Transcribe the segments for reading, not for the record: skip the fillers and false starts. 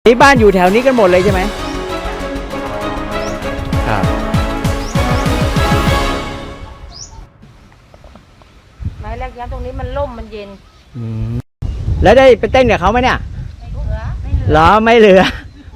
ที่บ้านอยู่แถวนี้กันหมดเลยใช่ไหมครับไม้แรกย้ำตรงนี้มันร่มมันเย็นแล้วได้ไปเต้นกับเขาไหมเนี่ยไม่เหลือเหรอไม่เหลือ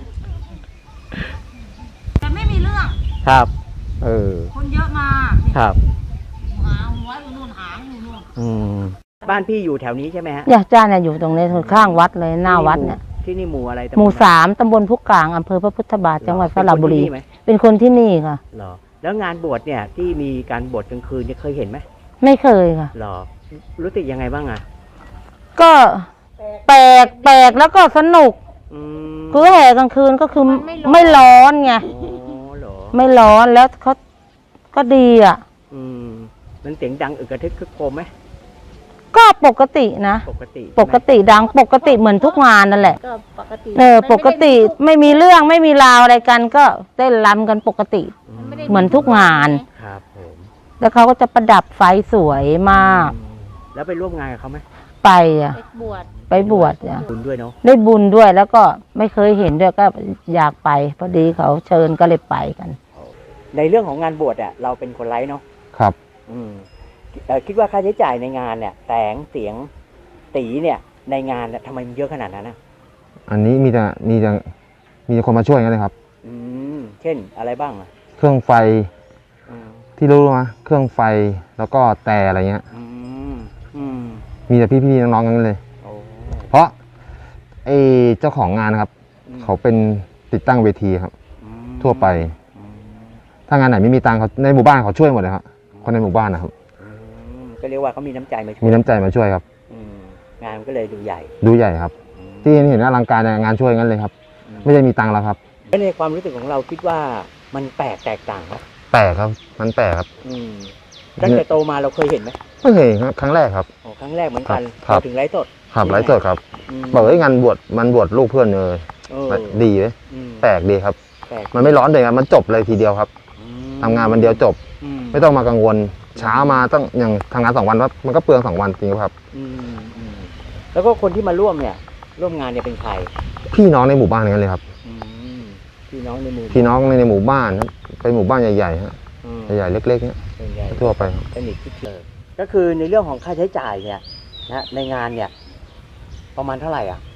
แต่ไม่มีเรื่องครับคนเยอะมาครับหาหัวอยู่นู่นหางอยู่นู่นบ้านพี่อยู่แถวนี้ใช่ไหมฮะจ้าเนี่ยอยู่ตรงนี้ข้างวัดเลยหน้าวัดเนี่ยที่นี่หมู่อะไรหมู่3 ตำบลพุกลางอำเภอพระพุทธบาทจังหวัดสระบุรีเป็นคนที่นี่ค่ะเหรอแล้วงานบวชเนี่ยที่มีการบวชกลางคืนเนี่ยเคยเห็นไหมไม่เคยค่ะเหรอรู้สึกยังไงบ้างอ่ะก็แปลกแล้วก็สนุกคือแห่กลางคืนก็คือไม่ร้อนไงไม่ร้อนแล้วเขาก็ดีอ่ะมันเสียงดังอึกกระทึกคึกโครมไหมก็ปกตินะปกติดังปกติเหมือนทุกงานนั่นแหละก็ปกติปกติไม่มีเรื่องไม่มีราวอะไรกันก็เต้นรำกันปกติเหมือนทุกงานครับผมแล้วเขาก็จะประดับไฟสวยมากแล้วไปร่วมงานกับเขาไหมไปไปบวชบุญด้วยเนาะได้บุญด้วยแล้วก็ไม่เคยเห็นด้วยก็อยากไปพอดีเขาเชิญก็เลยไปกันในเรื่องของงานบวชอ่ะเราเป็นคนไร้เนาะครับคิดว่าค่าใช้จ่ายในงานเนี่ยแสงเสียงตีเนี่ยในงานทำไมมันเยอะขนาดนั้นนะอันนี้มีคนมาช่วยกันเลยครับเช่นอะไรบ้างอ่ะเครื่องไฟที่รู้มาเครื่องไฟแล้วก็แต่อะไรเงี้ยมีแต่พี่ๆน้องๆกันเลยเพราะไอ้เจ้าของงานครับเขาเป็นติดตั้งเวทีครับทั่วไปถ้างานไหนไม่มีตังค์เขาในหมู่บ้านเขาช่วยหมดเลยครับคนในหมู่บ้านนะครับก็เรียกว่าเขามีน้ำใจมาช่วยมีน้ำใจมาช่วยครับงานก็เลยดูใหญ่ครับที่เห็นอลังการงานช่วยงั้นเลยครับไม่ได้มีตังค์แล้วครับในความรู้สึกของเราคิดว่ามันแตกต่างครับแปลกครับมันแปลกครับตั้งแต่โตมาเราเคยเห็นไหมไม่เคยครับครั้งแรกครับครั้งแรกเหมือนกันถึงไลฟ์สดครับไลฟ์สดครับบอกว่างานบวชลูกเพื่อนเลยดีเลยแปลกดีครับมันไม่ร้อนเลยครับมันจบเลยทีเดียวครับทำงานวันเดียวจบไม่ต้องมากังวลเช้ามาต้องอย่างทำงาน2 วันว่ามันก็เปลือง2 วันจริงครับแล้วก็คนที่มาร่วมงานเนี่ยเป็นใครพี่น้องในหมู่บ้านกันเลยครับพี่น้องในหมู่บ้านครับเป็นหมู่บ้านใหญ่ๆฮะใหญ่ๆเล็กๆเนี่ยทั่วไปสนิทที่เจอก็คือในเรื่องของค่าใช้จ่ายเนี่ยนะในงานเนี่ยประมาณเท่าไหร่อ่ะ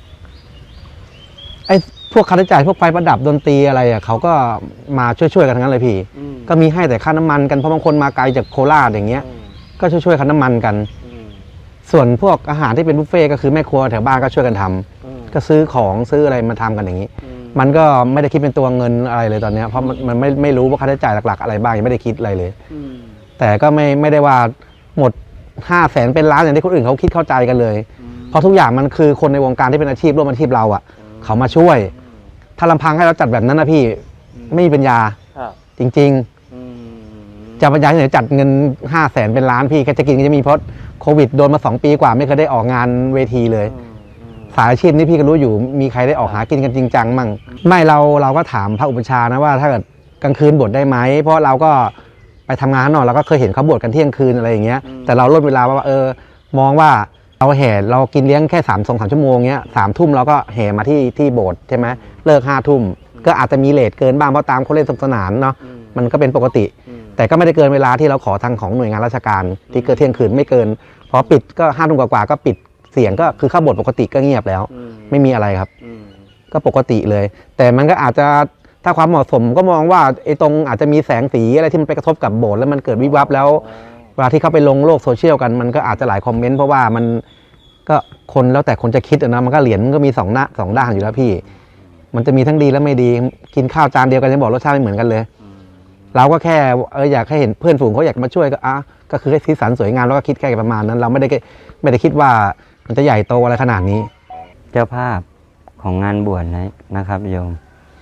ไอ้พวกค่าใช้จ่ายพวกไฟประดับดนตรีอะไรอ่ะเขาก็มาช่วยกันทั้งนั้นเลยพี่ก็มีให้แต่ค่าน้ำมันกันเพราะบางคนมาไกลจากโคราชอย่างเงี้ยก็ช่วยค่าน้ำมันกันส่วนพวกอาหารที่เป็นบุฟเฟ่ก็คือแม่ครัวแถวบ้านก็ช่วยกันทำก็ซื้อของซื้ออะไรมาทำกันอย่างนี้มันก็ไม่ได้คิดเป็นตัวเงินอะไรเลยตอนนี้เพราะมันไม่รู้ว่าค่าใช้จ่ายหลักๆอะไรบ้างยังไม่ได้คิดอะไรเลยแต่ก็ไม่ได้ว่าหมด500,000เป็นล้านอย่างที่คนอื่นเขาคิดเข้าใจกันเลยเพราะทุกอย่างมันคือคนในวงการที่เป็นอาชีพร่วมอาชีพเราอ่ะเขามาช่วยถ้าลำพังให้เราจัดแบบนั้นนะพี่ไม่มีปัญญาจริงๆจะปัญญาที่ไหนจัดเงิน500,000เป็นล้านพี่แค่จะกินก็จะมีเพราะโควิดโดนมา2 ปีกว่าไม่เคยได้ออกงานเวทีเลยสายอาชีพนี้พี่ก็รู้อยู่มีใครได้ออกหากินกันจริงจังมั่งไม่เราก็ถามพระอุปชานะว่าถ้าเกิดกลางคืนบวชได้ไหมเพราะเราก็ไปทำงานหน่อยเราก็เคยเห็นเขาบวชกันเที่ยงคืนอะไรอย่างเงี้ยแต่เราลดเวลาว่ามองว่าเราแห่เรากินเลี้ยงแค่2-3 ชั่วโมงเงี้ย3 ทุ่มเราก็แห่มาที่โบสถ์ใช่ไหมเลิก5 ทุ่มก็อาจจะมีเลทเกินบ้างเพราะตามคนเล่นสนุกสนานเนาะมันก็เป็นปกติแต่ก็ไม่ได้เกินเวลาที่เราขอทางของหน่วยงานราชการที่เกิดเที่ยงคืนไม่เกินพอปิดก็5 ทุ่มกว่าก็ปิดเสียงก็คือเข้าโบสถ์ปกติก็เงียบแล้วไม่มีอะไรครับก็ปกติเลยแต่มันก็อาจจะถ้าความเหมาะสมก็มองว่าไอ้ตรงอาจจะมีแสงสีอะไรที่มันไปกระทบกับโบสถ์แล้วมันเกิดวิบวับแล้วเวลาที่เขาไปลงโลกโซเชียลกันมันก็อาจจะหลายคอมเมนต์เพราะว่ามันก็คนแล้วแต่คนจะคิดนะมันก็เหรียญมันก็มี2 ด้านอยู่แล้วพี่มันจะมีทั้งดีและไม่ดีกินข้าวจานเดียวกันยังบอกรสชาติไม่เหมือนกันเลยเราก็แค่อยากให้เห็นเพื่อนฝูงเขาอยากมาช่วยก็คือให้สีสันสวยงามแล้วก็คิดแค่ประมาณนั้นเราไม่ได้คิดว่ามันจะใหญ่โตอะไรขนาดนี้เจ้าภาพของงานบวชนะครับโยม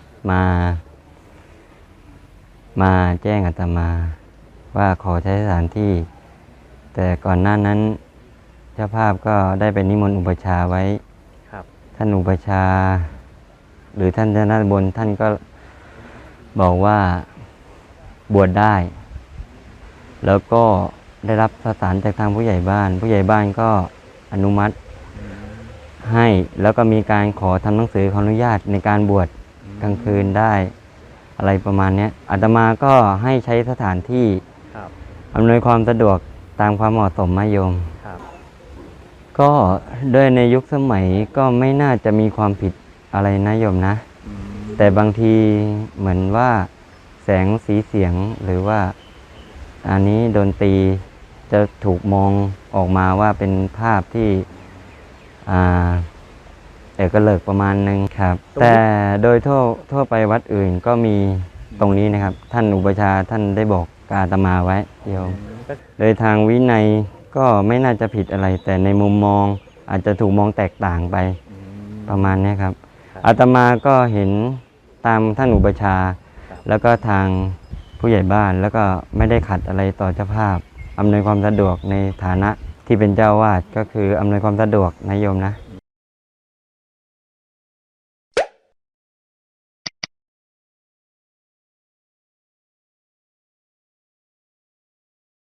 มาแจ้งอาตมาว่าขอใช้สถานที่แต่ก่อนหน้านั้นเจ้าภาพก็ได้ไปนิมนต์อุปชาไว้ท่านอุปชาหรือท่านเจ้าหน้าบนท่านก็บอกว่าบวชได้แล้วก็ได้รับประสานจากทางผู้ใหญ่บ้านก็อนุมัติให้แล้วก็มีการขอทำหนังสือขออนุญาตในการบวชกลางคืนได้อะไรประมาณเนี้ยอาตมาก็ให้ใช้สถานที่ครับอำนวยความสะดวกตามความเหมาะสมนะโยมครับก็ด้วยในยุคสมัยก็ไม่น่าจะมีความผิดอะไรนะโยมนะ แต่บางทีเหมือนว่าแสงสีเสียงหรือว่าอันนี้ดนตรีจะถูกมองออกมาว่าเป็นภาพที่เอกเลิกประมาณนึงครับ แต่โดยทั่วไปวัดอื่นก็มีตรงนี้นะครับ ท่านอุปชฌาย์ท่านได้บอกกบอาตมาไว้โยม โดยทางวินัยก็ไม่น่าจะผิดอะไร แต่ในมุมมองอาจจะถูกมองแตกต่างไปประมาณนี้ครับ อาตมาก็เห็นตามท่านอุปชฌาย์แล้วก็ทางผู้ใหญ่บ้านแล้วก็ไม่ได้ขัดอะไรต่อเจ้าภาพอำนวยความสะดวกในฐานะที่เป็นเจ้าวาดก็คืออำนวยความสะดวกนะโยมนะ